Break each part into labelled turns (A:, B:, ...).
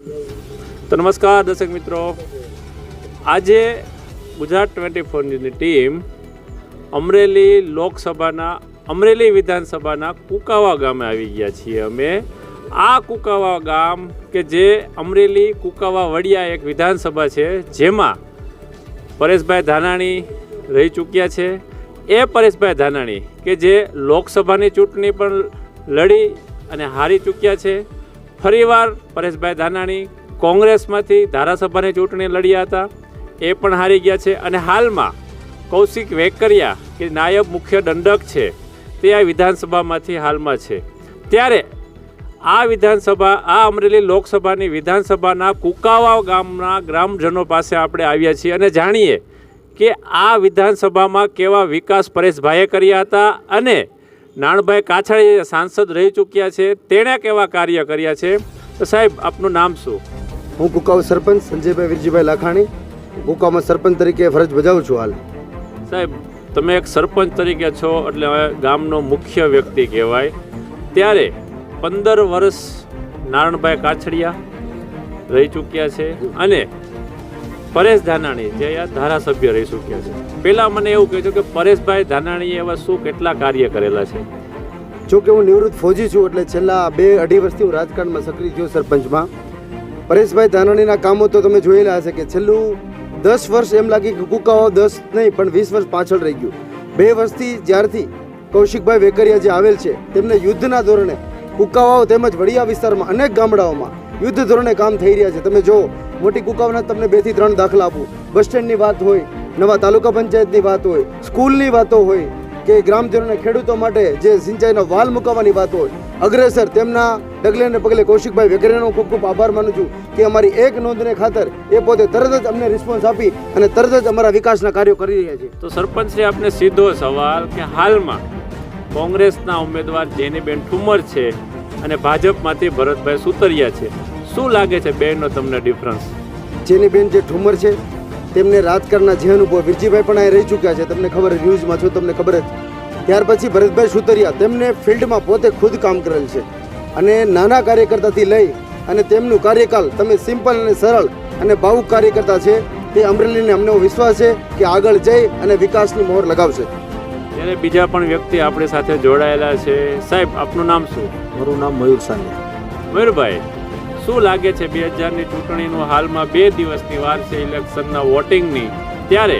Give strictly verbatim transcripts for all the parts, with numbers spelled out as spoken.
A: તો નમસ્કાર દર્શક મિત્રો, આજે ગુજરાત ટ્વેન્ટી ફોર ન્યૂઝની ટીમ અમરેલી લોકસભાના અમરેલી વિધાનસભાના કુકાવા ગામે આવી ગયા છીએ. અમે આ કુકાવા ગામ કે જે અમરેલી કુકાવા વડિયા એક વિધાનસભા છે, જેમાં પરેશભાઈ ધાનાણી રહી ચૂક્યા છે. એ પરેશભાઈ ધાનાણી કે જે લોકસભાની ચૂંટણી પણ લડી અને હારી ચૂક્યા છે. ફરીવાર પરેશભાઈ ધાનાણી કોંગ્રેસમાંથી ધારાસભાની ચૂંટણી લડ્યા હતા, એ પણ હારી ગયા છે. અને હાલમાં કૌશિક વેકરિયા કે નાયબ મુખ્ય દંડક છે, તે આ વિધાનસભામાંથી હાલમાં છે. ત્યારે આ વિધાનસભા આ અમરેલી લોકસભાની વિધાનસભાના કુકાવા ગામના ગ્રામજનો પાસે આપણે આવ્યા છીએ અને જાણીએ કે આ વિધાનસભામાં કેવા વિકાસ પરેશભાઈએ કર્યા હતા અને નાણભાઈ કાછડિયા સાંસદ રહી ચૂક્યા છે, તેણે કેવા કાર્ય કર્યા છે. તો સાહેબ, આપનું નામ શું?
B: હું કુકાવ સરપંચ સંજયભાઈ વિરજીભાઈ લાખાણી કુકાવમાં સરપંચ તરીકે ફરજ બજાવું છું. હાલ
A: સાહેબ, તમે એક સરપંચ તરીકે છો એટલે ગામનો મુખ્ય વ્યક્તિ કહેવાય. ત્યારે પંદર વર્ષ નારણભાઈ કાછડિયા રહી ચૂક્યા છે અને પરેશ ધાનાણી જે આ ધારાસભ્ય રહી ચૂક્યા છે. પહેલાં મને એવું કહેજો કે પરેશભાઈ ધાનાણીએ એવા શું કેટલા કાર્ય કરેલા છે?
B: જો કે હું નિવૃત્ત ફૌજી છું, એટલે છેલ્લા બે અઢી વર્ષથી હું રાજકારણમાં સક્રિય થયો સરપંચમાં. પરેશભાઈ ધાનાણીના કામો તો તમે જોયેલા હશે કે છેલ્લું દસ વર્ષ એમ લાગે કે કુકાવા દસ નહીં પણ વીસ વર્ષ પાછળ રહી ગયું. બે વર્ષથી જ્યારથી કૌશિકભાઈ વેકરિયા જે આવેલ છે, તેમને યુદ્ધના ધોરણે કુકાવાઓ તેમજ વડિયા વિસ્તારમાં અનેક ગામડાઓમાં યુદ્ધ ધોરણે કામ થઈ રહ્યા છે. તમે જો મોટી કુકાવાના તમને બે થી ત્રણ દાખલા આપું. બસ સ્ટેન્ડની વાત હોય, નવા તાલુકા પંચાયતની વાત હોય, સ્કૂલની વાતો હોય કે ગ્રામજનોને ખેડૂતો માટે જે સિંચાઈનો વાલ મુકાવવાની વાત હોય, અગ્રેસર તેમના ડગલે ને પગલે કૌશિકભાઈ વેકરિયાનો ખૂબ ખૂબ આભાર માનું છું કે અમારી એક નોંધને ખાતર એ પોતે તરત જ અમને રિસ્પોન્સ આપી અને તરત જ અમારા વિકાસના કાર્યો કરી રહ્યા છે.
A: તો સરપંચશ્રી, આપને સીધો સવાલ કે હાલમાં કોંગ્રેસના ઉમેદવાર જેનીબેન ઠુમર છે અને ભાજપમાંથી ભરતભાઈ સુતરિયા છે, શું લાગે છે બેનો તમને ડિફરન્સ?
B: જેનીબેન જે ઠુમર છે તેમને રાજકારણના જે અનુભવ, વિરજીભાઈ પણ અહીં રહી ચૂક્યા છે, તમને ખબર, ન્યૂઝમાં છો, તમને ખબર જ. ત્યાર પછી ભરતભાઈ સુતરિયા તેમને ફિલ્ડમાં પોતે ખુદ કામ કરેલ છે અને નાના કાર્યકર્તાથી લઈ અને તેમનું કાર્યકાલ તમે સિમ્પલ અને સરળ અને ભાવુક કાર્યકર્તા છે. તે અમરેલીને અમને વિશ્વાસ છે કે આગળ જઈ અને વિકાસની મોહર લગાવશે.
A: ત્યારે બીજા પણ વ્યક્તિ આપણી સાથે જોડાયેલા છે. સાહેબ, આપનું નામ શું?
C: મારું નામ મયુર સાનિયા.
A: મયુરભાઈ, શું લાગે છે બે હજારની ચૂંટણીનું હાલમાં બે દિવસની વાર છે ઇલેક્શનના વોટિંગની, ત્યારે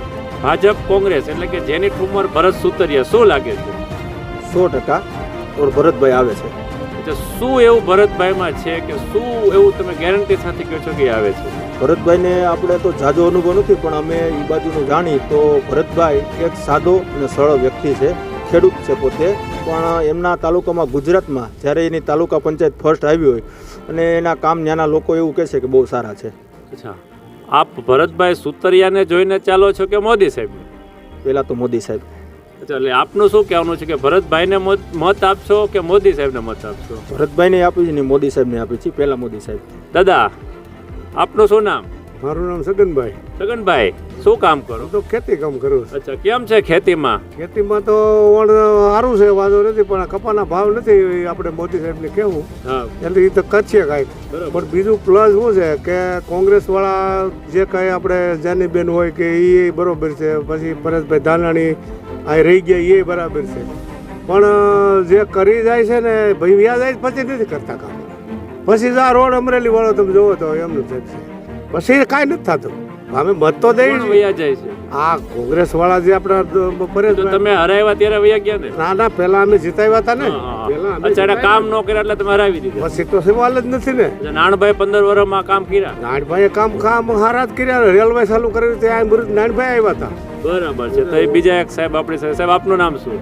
A: ભાજપ કોંગ્રેસ એટલે કે જેની ઠુમર ભરત સુતરિયા, શું લાગે છે?
C: સો ટકા ઓર ભરતભાઈ આવે છે.
A: એટલે શું એવું ભરતભાઈમાં છે કે શું એવું તમે ગેરંટી સાથે કહો છો કે આવે છે?
C: ભરતભાઈને આપણે તો જાજો અનુભવ નથી, પણ અમે એ બાજુનું જાણી તો ભરતભાઈ એક સાદો અને સરળ વ્યક્તિ છે. ખેડૂત છે પોતે, પણ એમના તાલુકામાં ગુજરાતમાં જ્યારે એની તાલુકા પંચાયત ફર્સ્ટ આવી હોય અને એના કામ ત્યાંના લોકો એવું કહે છે કે બહુ સારા છે.
A: અચ્છા, આપ ભરતભાઈ સુતરિયાને જોઈને ચાલો છો કે મોદી સાહેબને?
C: પહેલાં તો મોદી સાહેબ.
A: અચ્છા, એટલે આપનું શું કહેવાનું છે કે ભરતભાઈને મત આપશો કે મોદી સાહેબને મત આપશો?
C: ભરતભાઈને આપી છે ને મોદી સાહેબને આપી છે. પહેલાં મોદી સાહેબ.
A: દાદા, આપનું શું નામ?
D: મારું નામ સગનભાઈ.
A: સગનભાઈ, શું કામ કરો?
D: હું તો ખેતી કામ કરું છું.
A: અચ્છા, કેમ છે ખેતીમાં?
D: ખેતીમાં તો વણ સારું છે, વાંધો નથી, પણ કપાના ભાવ નથી આપણે મોદી સાહેબને કહેવું એટલે એ તો કરશે કાંઈક. પણ બીજું પ્લસ શું છે કે કોંગ્રેસ વાળા જે કાંઈ આપણે જાનીબેન હોય કે એ બરોબર છે, પછી પરેશભાઈ ધાનાણી આ રહી ગયા એ બરાબર છે, પણ જે કરી જાય છે ને ભાઈ વ્યાજ જાય પછી નથી કરતા કામ. પછી આ રોડ અમરેલી વાળો તમે જોવો તો એમનું છે, પછી કાંઈ નથી થતું. અમે મત તો દઈ
A: વયા જાય છે
D: આ કોંગ્રેસ વાળા જે આપણા પરેશ,
A: તમે હરાવ્યા ત્યારે વયા ગયા ને?
D: ના ના, પેલા અમે જીતાવ્યા હતા ને.
A: અચ્છા, કામ ન કર્યા એટલે તમે હરાવી દીધા?
D: પછી તો સવાલ જ નથી ને.
A: નાનભાઈ પંદર વર્ષમાં કામ કર્યા?
D: નાનભાઈએ કામ કામ હારા જ કર્યા. રેલવે ચાલુ કર્યું ત્યાં નાનભાઈ આવ્યા હતા.
A: બરાબર છે. તો એ બીજા એક સાહેબ આપણી સાથે. સાહેબ, આપનું નામ શું?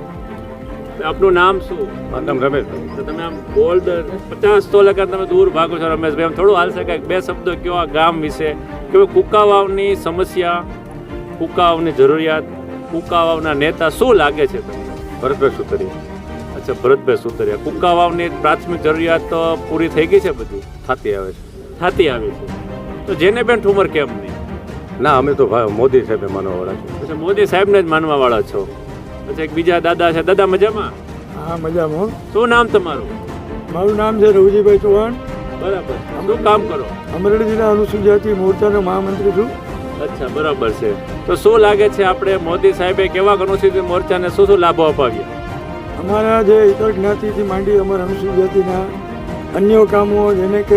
A: આપનું નામ શું?
D: નામ રમેશભાઈ.
A: તો તમે આમ બોલ્ડ પચાસ તો લગા તમે દૂર ભાગો છો રમેશભાઈ, આમ થોડું હાલશે કાંઈક બે શબ્દો કયો આ ગામ વિશે, કે કુકાવાવની સમસ્યા, કુકાવાવની જરૂરિયાત, કુકાવાવના નેતા શું લાગે છે તમને?
D: ભરતભાઈ સુતરિયા.
A: અચ્છા, ભરતભાઈ સુતરિયા. કુકાવાવની પ્રાથમિક જરૂરિયાત તો પૂરી થઈ ગઈ છે? બધી
D: થતી આવે છે.
A: થતી આવી છે. તો જેને બેન ઠુમર કેમ નહીં?
D: ના, અમે તો મોદી સાહેબને માનવા વાળા છીએ.
A: અચ્છા, મોદી સાહેબને જ માનવા વાળા છો. અચ્છા, એક બીજા દાદા છે. દાદા મજામાં?
E: હા, મજામાં.
A: શું નામ તમારું?
E: મારું નામ છે રવજીભાઈ ચૌહાણ.
A: બરાબર. શું કામ કરો?
E: અમરેલી જિલ્લા અનુસૂચિત જાતિ મોરચાનો મહામંત્રી છું.
A: અચ્છા, બરાબર છે. તો શું લાગે છે આપણે મોદી સાહેબે કેવા અનુસૂચિત મોરચાને શું શું લાભો અપાવ્યા?
E: અમારા જે ઇતર જ્ઞાતિથી માંડી અમારા અનુસૂચિત જાતિના અન્ય કામો જેને કે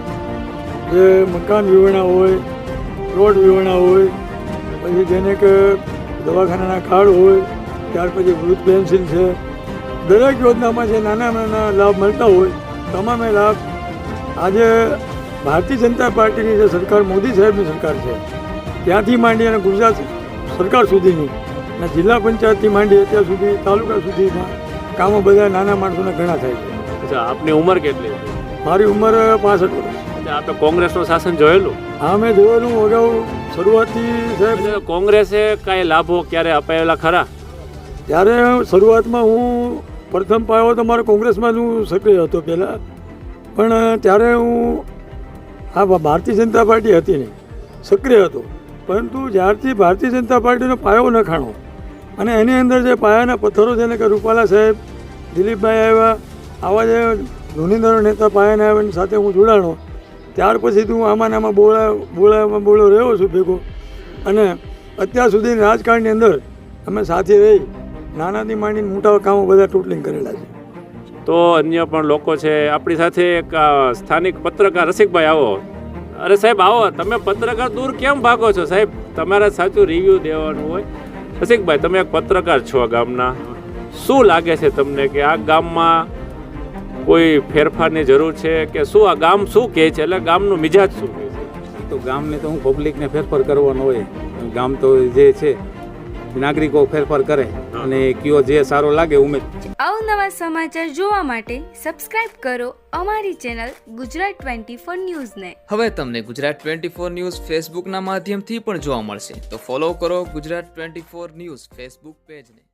E: જે મકાન વિવરણા હોય, રોડ વિવરણા હોય, પછી જેને કે દવાખાનાના કાર્ડ હોય, ત્યાર પછી વૃદ્ધ પેન્શન છે, દરેક યોજનામાં જે નાના નાના લાભ મળતા હોય તમામે લાભ આજે ભારતીય જનતા પાર્ટીની જે સરકાર મોદી સાહેબની સરકાર છે ત્યાંથી માંડી અને ગુજરાત સરકાર સુધીની અને જિલ્લા પંચાયતથી માંડી અત્યાર સુધી તાલુકા સુધીના કામો બધા નાના માણસોને ઘણા થાય છે.
A: અચ્છા, આપની ઉંમર કેટલી છે?
E: મારી ઉંમર પાસઠ વર્ષ.
A: અચ્છા, આપણે કોંગ્રેસનું શાસન જોયેલું?
E: હા, મેં જોયેલું અગાઉ શરૂઆતથી સાહેબ.
A: અચ્છા, કોંગ્રેસે કાંઈ લાભો ક્યારે અપાયેલા ખરા?
E: ત્યારે શરૂઆતમાં હું પ્રથમ પાયો તો મારો કોંગ્રેસમાં જ હું સક્રિય હતો પહેલાં, પણ ત્યારે હું હા ભારતીય જનતા પાર્ટી હતી નહીં, સક્રિય હતો. પરંતુ જ્યારથી ભારતીય જનતા પાર્ટીનો પાયો નખાણો અને એની અંદર જે પાયાના પથ્થરો જેને કે રૂપાલા સાહેબ, દિલીપભાઈ આવ્યા, આવા જે ધુનીધર નેતા પાયાના આવ્યા સાથે હું જોડાણો, ત્યાર પછી હું આમાં આમાં બોળા બોળામાં બોળો રહ્યો છું ભેગો. અને અત્યાર સુધી રાજકારણની અંદર અમે સાથે રહી નાનાથી માંડીને મોટા કામો બધા ટોટલિંગ કરેલા છે.
A: તો અન્ય પણ લોકો છે આપણી સાથે. એક અ, સ્થાનિક પત્રકાર રસિકભાઈ, આવો. અરે સાહેબ આવો. તમે પત્રકાર દૂર કેમ ભાગો છો સાહેબ? તમારે સાચું રિવ્યૂ દેવાનું હોય. રસિકભાઈ, તમે એક પત્રકાર છો ગામના, શું લાગે છે તમને કે આ ગામમાં કોઈ ફેરફારની જરૂર છે કે શું? આ ગામ શું કહે છે, એટલે ગામનું મિજાજ શું કહે છે?
F: તો ગામને તો હું પબ્લિકને ફેરફાર કરવાનો હોય. ગામ તો જે છે નાગરિકો ફેરફાર કરે અને કયો જે સારો લાગે ઉમેદ.
G: અવનવા સમાચાર જોવા માટે સબસ્ક્રાઇબ કરો અમારી ચેનલ ગુજરાત ટ્વેન્ટી ફોર ન્યૂઝને.
H: હવે તમને ગુજરાત ટ્વેન્ટી ફોર ન્યૂઝ ફેસબુકના માધ્યમથી પણ જોવા મળશે, તો ફોલો કરો Gujarat twenty four news Facebook પેજને.